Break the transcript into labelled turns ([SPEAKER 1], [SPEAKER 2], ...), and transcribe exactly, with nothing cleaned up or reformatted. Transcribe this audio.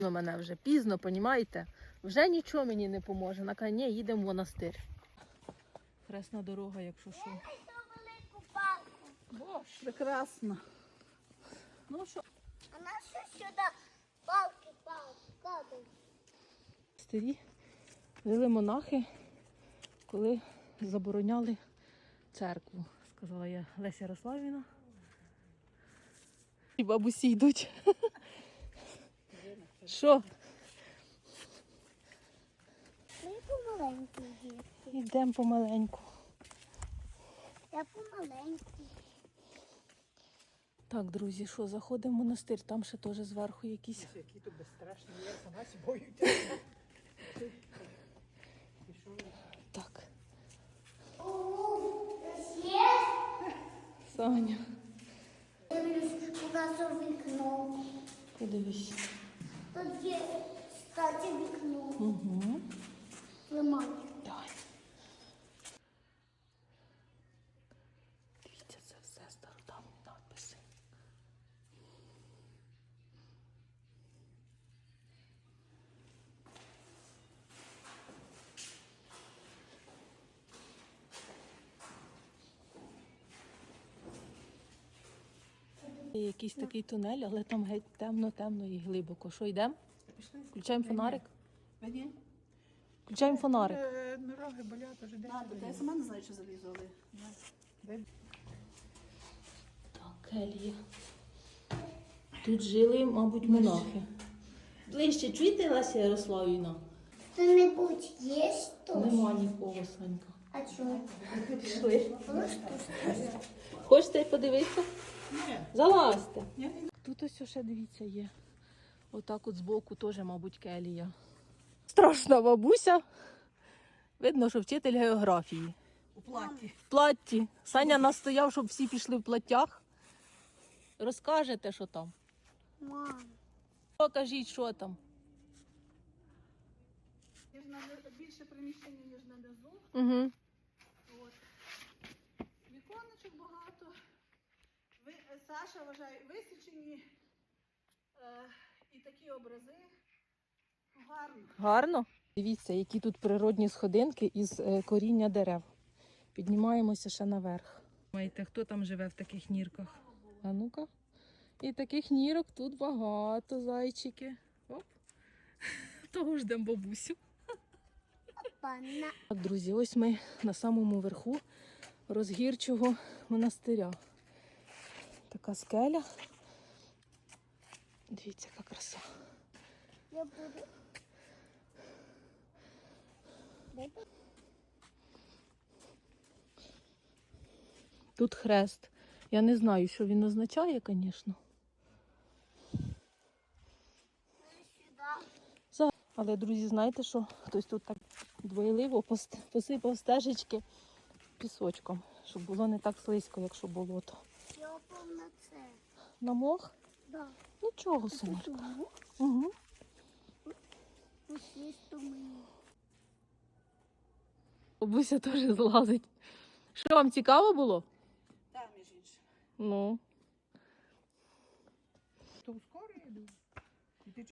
[SPEAKER 1] Ну, мене вже пізно, понімаєте? Вже нічого мені не поможе. На каже, ні, їдемо в монастир. Хресна дорога, якщо що.
[SPEAKER 2] Боже, прекрасно.
[SPEAKER 1] Ну що?
[SPEAKER 3] А на що сюди палки, палки, кладуть?
[SPEAKER 1] Старі жили монахи, коли забороняли церкву, сказала я Леся Ярославівна. І бабусі йдуть. Що?
[SPEAKER 3] Ми помаленьку дітки.
[SPEAKER 1] Йдемо помаленьку.
[SPEAKER 3] Я помаленьку.
[SPEAKER 1] Так, друзі, що, заходимо в монастир, там ще теж зверху якісь.
[SPEAKER 2] Які тут безстрашні, я сама боюся.
[SPEAKER 1] Так,
[SPEAKER 3] Ого, є?
[SPEAKER 1] Саня,
[SPEAKER 3] Дивлюсь, у нас у вікно.
[SPEAKER 1] подивись.
[SPEAKER 3] Тут є, кстати, вікно.
[SPEAKER 1] Угу.
[SPEAKER 3] Ламаю.
[SPEAKER 1] Давай. Дивіться, це все стародавні надписи. Є якийсь такий тунель, але там геть темно-темно і глибоко. Що, йдемо? Включаємо фонарик?
[SPEAKER 2] Ні.
[SPEAKER 1] Включаємо фонарик.
[SPEAKER 2] Ноги болять уже день.
[SPEAKER 4] Надо, та я сама не знаю, що залізу, але...
[SPEAKER 1] Так, келія. Тут жили, мабуть, монахи. Ближче чуєте, Леся Ярославівна?
[SPEAKER 3] Хто-небудь є тут?
[SPEAKER 1] Нема нікого, Санька.
[SPEAKER 3] А чого?
[SPEAKER 1] Пішли.
[SPEAKER 3] Просто
[SPEAKER 1] Хочете подивитися?
[SPEAKER 2] Ні.
[SPEAKER 1] Залазьте.
[SPEAKER 2] Ні.
[SPEAKER 1] Тут ось ще, дивіться, є. Отак от збоку теж, мабуть, келія. Страшна бабуся. Видно, що вчитель географії.
[SPEAKER 2] У платі.
[SPEAKER 1] В платті. Саня настояв, щоб всі пішли в платтях. Розкажете, що там.
[SPEAKER 3] мам.
[SPEAKER 1] Покажіть, що там.
[SPEAKER 2] Є ж на- більше приміщення, ніж на низу.
[SPEAKER 1] Угу.
[SPEAKER 2] От. Віконечок багато. Ви, Саша вважає, висічені е, і такі образи. Гарно.
[SPEAKER 1] Гарно. Дивіться, які тут природні сходинки із е, коріння дерев. Піднімаємося ще наверх. Думаєте, хто там живе в таких нірках? А ну-ка. І таких нірок тут багато, зайчики. Оп. Того ждемо бабусю.
[SPEAKER 3] Пана.
[SPEAKER 1] Так, друзі, ось ми на самому верху Розгірчого монастиря. Така скеля. Дивіться, яка краса.
[SPEAKER 3] Я буду.
[SPEAKER 1] Тут хрест. Я не знаю, що він означає, звісно.
[SPEAKER 3] Сюди.
[SPEAKER 1] Але, друзі, знаєте що? Хтось тут так двойливо пос- посипав стежечки пісочком, щоб було не так слизько, якщо болото.
[SPEAKER 3] Я опав на це.
[SPEAKER 1] На мох?
[SPEAKER 3] Да.
[SPEAKER 1] Нічого, синочка.
[SPEAKER 3] Тому
[SPEAKER 1] Угу.
[SPEAKER 3] ось є тому.
[SPEAKER 1] Бабуся теж злазить. Що, вам цікаво було?
[SPEAKER 2] Там, між іншим.
[SPEAKER 1] Ну.